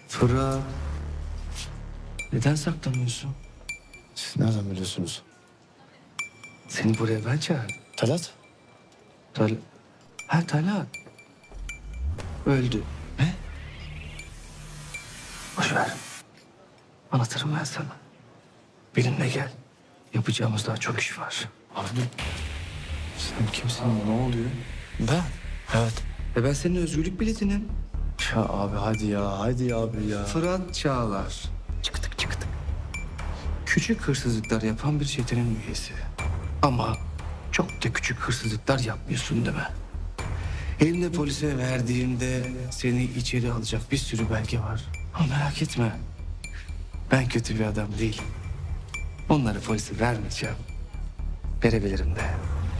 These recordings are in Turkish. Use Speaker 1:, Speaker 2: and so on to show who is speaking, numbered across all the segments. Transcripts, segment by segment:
Speaker 1: Fırat. Neden saklanıyorsun?
Speaker 2: Siz nereden biliyorsunuz?
Speaker 1: Seni buraya ben çağırdım.
Speaker 2: Talat?
Speaker 1: Talat. Öldü.
Speaker 2: Ne?
Speaker 1: Boş ver. Anlatırım ben sana. Benimle gel. Yapacağımız daha çok iş var.
Speaker 2: Abi sen kimsin? Ne oluyor? Ben? Evet.
Speaker 1: Ben senin özgürlük biletinim.
Speaker 2: Ya abi hadi ya. Hadi abi ya.
Speaker 1: Fırat Çağlar. Çıktık. Küçük hırsızlıklar yapan bir çetenin üyesi. Ama çok da küçük hırsızlıklar yapmıyorsun değil mi? Elimde polise verdiğimde seni içeri alacak bir sürü belge var. Ama merak etme. Ben kötü bir adam değilim. Onları polise vermeyeceğim. Verebilirim de.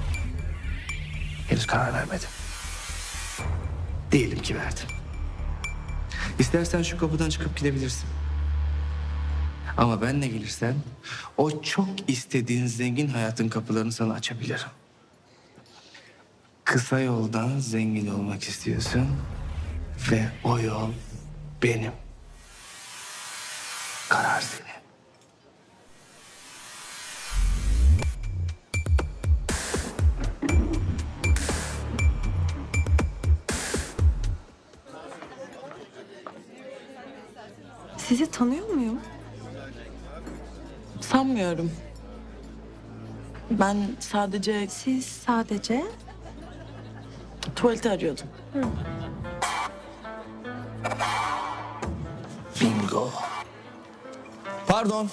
Speaker 1: Henüz karar vermedim. Diyelim ki verdim. İstersen şu kapıdan çıkıp gidebilirsin. Ama benle gelirsen o çok istediğin zengin hayatın kapılarını sana açabilirim. Kısa yoldan zengin olmak istiyorsun ve o yol benim. Karar senin.
Speaker 3: Sizi tanıyor muyum?
Speaker 4: Sanmıyorum. Ben sadece
Speaker 3: Siz sadece...
Speaker 4: tuvaleti arıyordum.
Speaker 1: Bingo.
Speaker 2: Pardon.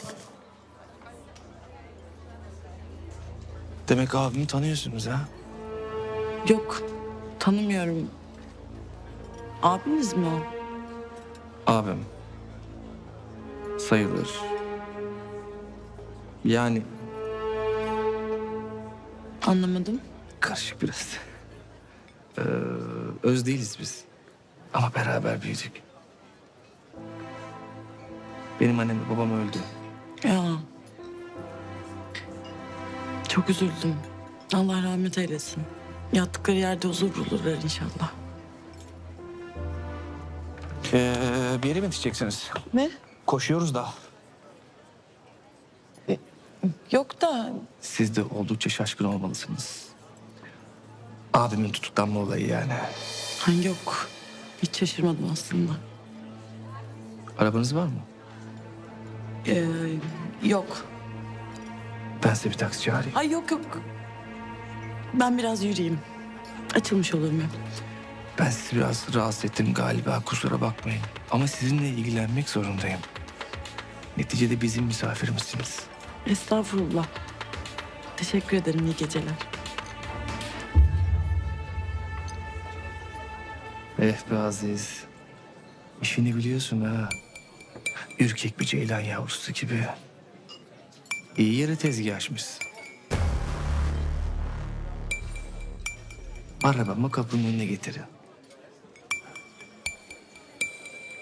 Speaker 2: Demek abimi tanıyorsunuz ha?
Speaker 4: Yok, tanımıyorum. Abiniz mi o?
Speaker 1: Abim. Sayılır. Yani
Speaker 4: Anlamadım.
Speaker 1: karışık biraz. Öz değiliz biz. Ama beraber büyüdük. Benim annem ve babam öldü.
Speaker 4: Ya. Çok üzüldüm. Allah rahmet eylesin. Yattıkları yerde huzur bulurlar inşallah.
Speaker 2: Bir yere mi yetişeceksiniz?
Speaker 4: Ne?
Speaker 2: Koşuyoruz da.
Speaker 4: Yok da
Speaker 1: Siz de oldukça şaşkın olmalısınız. Abimin tutuklanma olayı yani.
Speaker 4: yok. Hiç şaşırmadım aslında.
Speaker 1: Arabanız var mı?
Speaker 4: Yok.
Speaker 1: Ben size bir taksi çağırayım.
Speaker 4: Ay yok. Ben biraz yürüyeyim. Açılmış olurum hep.
Speaker 1: Ben sizi biraz rahatsız ettim galiba, kusura bakmayın. Ama sizinle ilgilenmek zorundayım. Neticede bizim misafirimizsiniz.
Speaker 4: Estağfurullah. Teşekkür ederim. İyi geceler.
Speaker 1: Be Aziz. İşini biliyorsun ha. Ürkek bir ceylan yavrusu gibi. İyi yere tezgah açmışsın. Arabamı kapının önüne getirin.